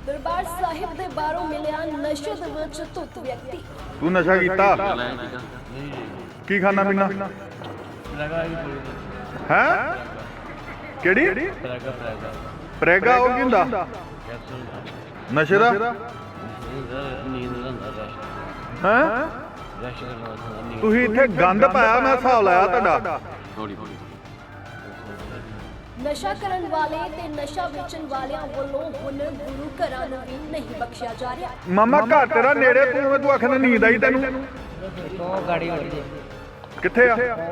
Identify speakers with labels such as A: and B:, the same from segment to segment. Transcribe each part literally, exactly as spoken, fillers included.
A: दरबार साहिब दे बाहरों मिलिया नशे दे विच धुत व्यक्ति।
B: तू नशा कीता? की खाना पीना है? केड़ी प्रेगा हो की हुंदा नशे दा है? तुसीं इत्थे गंद पाया, मैं हिसाब लाया तुहाडा।
A: नशा करन वाले ते नशा वेचण वालियां वल्लों हुण गुरु घरां नूं भी नहीं बख्शिया जा रिहा।
B: मामा घर तेरा नेड़े, तू तू आखना नींद आई तैनूं?
C: गाड़ी हो जी
B: कित्थे आ?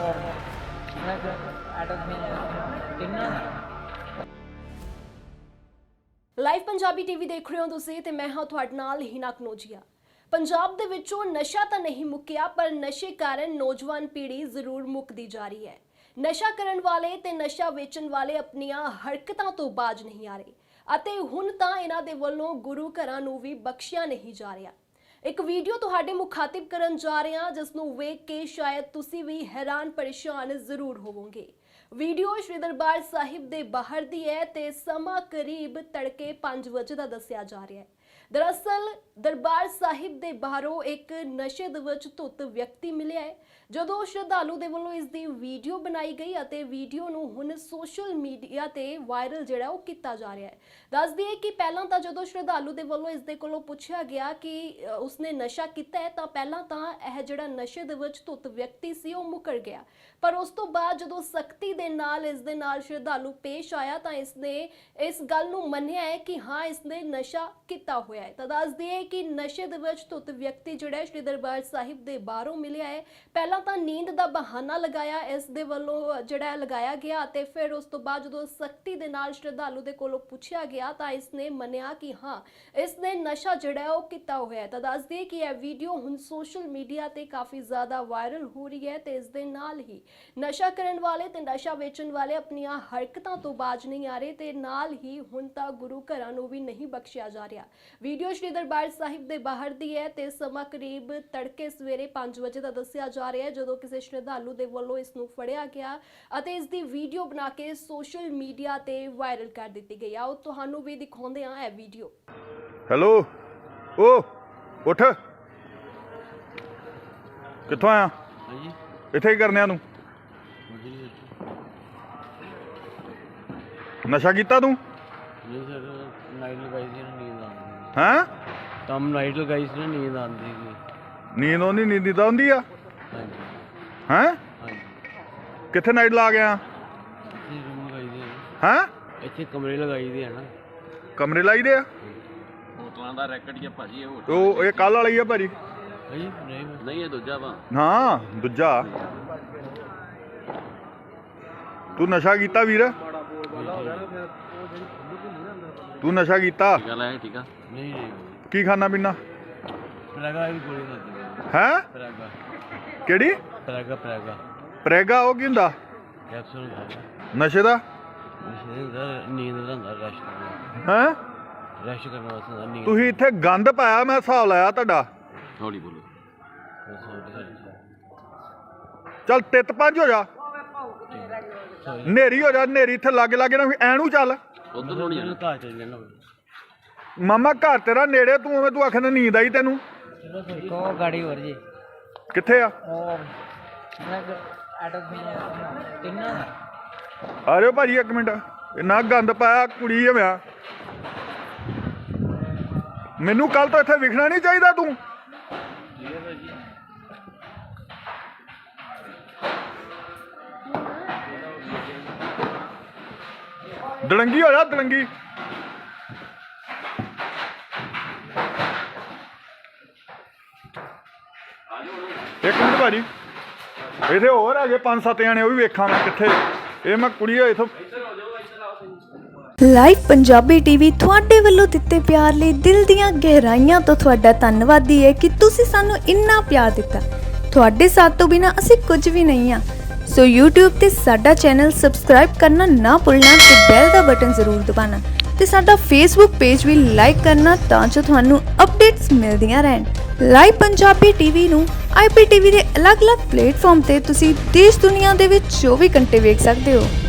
A: ਲਾਈਵ ਪੰਜਾਬੀ ਟੀਵੀ ਦੇਖ ਰਹੇ ਹੋ ਤੁਸੀਂ ਤੇ ਮੈਂ ਹਾਂ ਤੁਹਾਡੇ ਨਾਲ ਹੀਨਾ ਕਨੋਜੀਆ। ਪੰਜਾਬ ਦੇ ਵਿੱਚੋਂ ਨਸ਼ਾ ਤਾਂ ਨਹੀਂ ਮੁੱਕਿਆ, ਪਰ ਨਸ਼ੇ ਕਾਰਨ ਨੌਜਵਾਨ ਪੀੜ੍ਹੀ ਜ਼ਰੂਰ ਮੁੱਕਦੀ ਜਾ ਰਹੀ ਹੈ। ਨਸ਼ਾ ਕਰਨ ਵਾਲੇ ਤੇ ਨਸ਼ਾ ਵੇਚਣ ਵਾਲੇ ਆਪਣੀਆਂ ਹਰਕਤਾਂ ਤੋਂ ਬਾਜ ਨਹੀਂ ਆ ਰਹੇ ਅਤੇ ਹੁਣ ਤਾਂ ਇਹਨਾਂ ਦੇ ਵੱਲੋਂ ਗੁਰੂ ਘਰਾਂ ਨੂੰ ਵੀ ਬਖਸ਼ਿਆ ਨਹੀਂ ਜਾ ਰਿਹਾ। ਇੱਕ ਵੀਡੀਓ ਤੁਹਾਡੇ ਮੁਖਾਤਿਬ ਕਰਨ ਜਾ ਰਹੇ ਹਾਂ, ਜਿਸ ਨੂੰ ਵੇਖ ਕੇ ਸ਼ਾਇਦ ਤੁਸੀਂ ਵੀ ਹੈਰਾਨ ਪਰੇਸ਼ਾਨ ਜ਼ਰੂਰ ਹੋਵੋਗੇ। ਵੀਡੀਓ ਸ਼੍ਰੀ ਦਰਬਾਰ ਸਾਹਿਬ ਦੇ ਬਾਹਰ ਦੀ ਹੈ ਤੇ ਸਮਾਂ ਕਰੀਬ ਤੜਕੇ ਪੰਜ ਵਜੇ ਦਾ ਦੱਸਿਆ ਜਾ ਰਿਹਾ ਹੈ। ਦਰਅਸਲ ਦਰਬਾਰ ਸਾਹਿਬ ਦੇ ਬਾਹਰੋਂ ਇੱਕ ਨਸ਼ੇ ਦੇ ਵਿੱਚ ਧੁੱਤ ਵਿਅਕਤੀ ਮਿਲਿਆ ਹੈ। ਜਦੋਂ ਸ਼ਰਧਾਲੂ ਦੇ ਵੱਲੋਂ ਇਸ ਦੀ ਵੀਡੀਓ ਬਣਾਈ ਗਈ ਅਤੇ ਵੀਡੀਓ ਨੂੰ ਹੁਣ ਸੋਸ਼ਲ ਮੀਡੀਆ ਤੇ ਵਾਇਰਲ ਜਿਹੜਾ ਉਹ ਕੀਤਾ ਜਾ ਰਿਹਾ ਹੈ। ਦੱਸ ਦਈਏ ਕਿ ਪਹਿਲਾਂ ਤਾਂ ਜਦੋਂ ਸ਼ਰਧਾਲੂ ਦੇ ਵੱਲੋਂ ਇਸ ਦੇ ਕੋਲੋਂ ਪੁੱਛਿਆ ਗਿਆ ਕਿ ਉਸਨੇ ਨਸ਼ਾ ਕੀਤਾ ਹੈ, ਤਾਂ ਪਹਿਲਾਂ ਤਾਂ ਇਹ ਜਿਹੜਾ ਨਸ਼ੇ ਦੇ ਵਿੱਚ ਧੁੱਤ ਵਿਅਕਤੀ ਸੀ ਉਹ ਮੁੱਕਰ ਗਿਆ, ਪਰ ਉਸ ਤੋਂ ਬਾਅਦ ਜਦੋਂ ਸਖਤੀ ਦੇ ਨਾਲ ਇਸ ਦੇ ਨਾਲ ਸ਼ਰਧਾਲੂ ਪੇਸ਼ ਆਇਆ ਤਾਂ ਇਸਨੇ ਇਸ ਗੱਲ ਨੂੰ ਮੰਨਿਆ ਹੈ ਕਿ ਹਾਂ ਇਸਨੇ ਨਸ਼ਾ ਕੀਤਾ ਹੋਇਆ ਹੈ। ਤਾਂ ਦੱਸ ਦਈਏ ਕਿ ਨਸ਼ੇ ਦੇ ਵਿੱਚ ਧੁੱਤ ਵਿਅਕਤੀ ਜਿਹੜਾ ਸ਼੍ਰੀ ਦਰਬਾਰ ਸਾਹਿਬ ਦੇ ਬਾਹਰੋਂ ਮਿਲਿਆ ਹੈ। ਪਹਿਲਾਂ ਤਾਂ ਨੀਂਦ ਦਾ ਬਹਾਨਾ ਲਗਾਇਆ ਇਸ ਦੇ ਵੱਲੋਂ ਜਿਹੜਾ ਲਗਾਇਆ ਗਿਆ ਅਤੇ ਫਿਰ ਉਸ ਤੋਂ ਬਾਅਦ ਜਦੋਂ ਸਖਤੀ ਦੇ ਨਾਲ ਸ਼ਰਧਾਲੂ ਦੇ ਕੋਲੋਂ ਪੁੱਛਿਆ ਗਿਆ ਤਾਂ ਇਸਨੇ ਮੰਨਿਆ ਕਿ ਹਾਂ ਇਸਨੇ ਨਸ਼ਾ ਜਿਹੜਾ ਉਹ ਕੀਤਾ ਹੋਇਆ ਹੈ। ਤਾਂ ਦੱਸ ਦਈਏ ਕਿ ਇਹ ਵੀਡੀਓ ਹੁਣ ਸੋਸ਼ਲ ਮੀਡੀਆ ਤੇ ਕਾਫੀ ਜ਼ਿਆਦਾ ਵਾਇਰਲ ਹੋ ਰਹੀ ਹੈ ਤੇ ਇਸ ਦੇ ਨਾਲ ਹੀ ਨਸ਼ਾ ਕਰਨ ਵਾਲੇ ਤੇ ਨਸ਼ਾ ਵੇਚਣ ਵਾਲੇ ਆਪਣੀਆਂ ਹਰਕਤਾਂ ਤੋਂ ਬਾਜ ਨਹੀਂ ਆ ਰਹੇ ਤੇ ਨਾਲ ਹੀ ਹੁਣ ਤਾਂ ਗੁਰੂ ਘਰਾਂ ਨੂੰ ਵੀ ਨਹੀਂ ਬਖਸ਼ਿਆ ਜਾ ਰਿਹਾ। ਵੀਡੀਓ ਸ਼੍ਰੀ ਦਰਬਾਰ ਸਾਹਿਬ ਦੇ ਬਾਹਰ ਦੀ ਹੈ ਤੇ ਸਮਾਂ ਕਰੀਬ ਤੜਕੇ ਸਵੇਰੇ ਪੰਜ ਵਜੇ ਦਾ ਦੱਸਿਆ ਜਾ ਰਿਹਾ ਹੈ, ਜਦੋਂ ਕਿਸੇ ਸ਼ਰਧਾਲੂ ਦੇ ਵੱਲੋਂ ਇਸ ਨੂੰ ਫੜਿਆ ਗਿਆ ਅਤੇ ਇਸ ਦੀ ਵੀਡੀਓ ਬਣਾ ਕੇ ਸੋਸ਼ਲ ਮੀਡੀਆ ਤੇ ਵਾਇਰਲ ਕਰ ਦਿੱਤੀ ਗਈ। ਆਓ ਤੁਹਾਨੂੰ ਵੀ ਦਿਖਾਉਂਦੇ ਹਾਂ ਇਹ ਵੀਡੀਓ।
B: ਹੈਲੋ ਓ ਉੱਠ, ਕਿੱਥੋਂ ਆਇਆ?
C: ਹਾਂਜੀ
B: ਇੱਥੇ ਕੀ ਕਰਨਿਆ ਤੂੰ? ਨਸ਼ਾ ਕੀਤਾ ਤੂੰ?
C: ਨਹੀਂ ਸਰ, ਨਾਈਟ ਲਗਾਈ ਸੀ ਨਾ, ਨੀਂਦ ਆਉਂਦੀ
B: ਹੈਂ?
C: ਕੰਮ ਨਾਈਟ ਲਗਾਈ ਸੀ ਨਾ, ਨੀਂਦ ਆਉਂਦੀ ਸੀ।
B: ਨੀਂਦ ਆਉਂਦੀ? ਨੀਂਦ ਤਾਂ ਆਉਂਦੀ ਆ।
C: ਹਾਂਜੀ
B: ਹੈਂ?
C: ਹਾਂਜੀ
B: ਕਿੱਥੇ ਨਾਈਟ ਲਾ ਗਿਆ?
C: ਇੱਥੇ ਰੂਮ ਲਗਾਈ ਦੀ ਹੈ,
B: ਹੈਂ?
C: ਇੱਥੇ ਕਮਰੇ ਲਗਾਈ ਦੇ ਹੈ ਨਾ।
B: ਕਮਰੇ ਲਾਈ ਦੇ ਆ?
D: ਹੋਟਲਾਂ ਦਾ ਰੈਕਟ ਹੀ ਆ ਭਾਜੀ, ਇਹ ਹੋਟਲ
B: ਉਹ ਇਹ ਕੱਲ ਵਾਲੀ ਆ ਭਾਜੀ?
C: ਹਾਂਜੀ ਨਹੀਂ
D: ਨਹੀਂ, ਇਹ ਦੂਜਾ ਵਾ।
B: ਹਾਂ ਦੂਜਾ। ਤੂੰ ਨਸ਼ਾ ਕੀਤਾ ਵੀਰ? ਤੂੰ ਨਸ਼ਾ ਕੀਤਾ?
D: ਗੱਲ ਹੈ, ਠੀਕ ਆ।
C: ਨਹੀਂ ਨਹੀਂ
B: ਕੀ ਖਾਣਾ ਪੀਣਾ
C: ਪ੍ਰੈਗਾ ਵੀ ਗੋਲੀ ਖਾਦੀ
B: ਹੈ?
C: ਪ੍ਰੈਗਾ
B: ਕਿਹੜੀ
C: ਪ੍ਰੈਗਾ ਪ੍ਰੈਗਾ
B: ਪ੍ਰੇਗਾ ਉਹ ਕੀ ਹੁੰਦਾ?
C: ਕੈਪਸੂਲ ਖਾਦਾ।
B: ਨਸ਼ੇ ਦਾ?
C: ਨਸ਼ੇ ਦਾ ਨੀਂਦ ਦਾ ਹੁੰਦਾ, ਰੈਸਟ ਕਰਨਾ,
B: ਹੈ?
C: ਰੈਸਟ ਕਰਨ ਵਾਸਤੇ ਹੁੰਦਾ ਨੀਂਦ।
B: ਤੁਸੀਂ ਇੱਥੇ ਗੰਦ ਪਾਇਆ, ਮੈਂ ਹਿਸਾਬ ਲਾਇਆ ਤੁਹਾਡਾ।
D: ਹੌਲੀ ਬੋਲੋ।
B: ਚੱਲ ਤਿੱਤ ਪੰਜ ਹੋ ਜਾ, ਨੇਰੀ ਹੋ ਜਾ, ਨੇਰੀ ਇੱਥੇ ਲਾਗੇ ਲਾਗੇ ਨਾ ਐਨੂੰ ਚੱਲ।
D: ਉਧਰ ਨੂੰ ਨਹੀਂ ਜਾਣਾ।
C: ਘਰ ਚੱਲ ਜਾਣਾ।
B: ਮਾਮਾ ਘਰ ਤੇਰਾ ਨੇੜੇ, ਤੂੰ ਉਵੇਂ ਤੂੰ ਆਖਣਾ ਨੀਂਦ ਆਈ ਤੈਨੂੰ?
C: ਕੋ ਗਾੜੀ ਹੋਰ ਜੀ
B: ਕਿੱਥੇ ਆ?
C: ਉਹ ਮੈਂ ਆਟੋ ਕਿੰਨਾ
B: ਆ ਰਿਓ ਭਾਜੀ ਇੱਕ ਮਿੰਟ। ਇੰਨਾ ਗੰਦ ਪਾਇਆ, ਕੁੜੀ ਹਮਿਆ। ਮੈਨੂੰ ਕੱਲ ਤੋਂ ਇੱਥੇ ਵਿਖਣਾ ਨਹੀਂ ਚਾਹੀਦਾ ਤੂੰ। ਦੜੰਗੀ ਹੋ ਜਾ, ਦੜੰਗੀ। ਇੱਕ ਮਿੰਟ ਭਾਜੀ, ਇੱਥੇ ਹੋਰ ਹੈਗੇ ਪੰਜ ਸੱਤ ਜਾਣੇ, ਉਹ ਵੀ ਵੇਖਾਂ ਮੈਂ ਕਿੱਥੇ। ਇਹ ਮੈਂ ਕੁੜੀ ਹੋਏ ਇੱਥੋਂ।
E: ਲਾਈਵ ਪੰਜਾਬੀ ਟੀਵੀ ਤੁਹਾਡੇ ਵੱਲੋਂ ਦਿੱਤੇ ਪਿਆਰ ਲਈ ਦਿਲ ਦੀਆਂ ਗਹਿਰਾਈਆਂ ਤੋਂ ਤੁਹਾਡਾ ਧੰਨਵਾਦੀ ਹੈ ਕਿ ਤੁਸੀਂ ਸਾਨੂੰ ਇੰਨਾ ਪਿਆਰ ਦਿੱਤਾ। ਤੁਹਾਡੇ ਸਾਥ ਤੋਂ ਬਿਨਾਂ ਅਸੀਂ ਕੁਝ ਵੀ ਨਹੀਂ ਹਾਂ। ਸੋ YouTube ਤੇ ਸਾਡਾ ਚੈਨਲ ਸਬਸਕ੍ਰਾਈਬ ਕਰਨਾ ਨਾ ਭੁੱਲਣਾ ਤੇ ਬੈਲ ਦਾ ਬਟਨ ਜ਼ਰੂਰ ਦਬਾਉਣਾ ਤੇ ਸਾਡਾ Facebook ਪੇਜ ਵੀ ਲਾਈਕ ਕਰਨਾ ਤਾਂ ਜੋ ਤੁਹਾਨੂੰ ਅਪਡੇਟਸ ਮਿਲਦੀਆਂ ਰਹਿਣ। ਲਾਈਵ ਪੰਜਾਬੀ ਟੀਵੀ ਨੂੰ ਆਈ ਪੀ ਟੀ ਵੀ ਦੇ ਅਲੱਗ-ਅਲੱਗ ਪਲੇਟਫਾਰਮ ਤੇ ਤੁਸੀਂ ਦੇਸ਼ ਦੁਨੀਆ ਦੇ ਵਿੱਚ ਚੌਵੀ ਘੰਟੇ ਵੇਖ ਸਕਦੇ ਹੋ।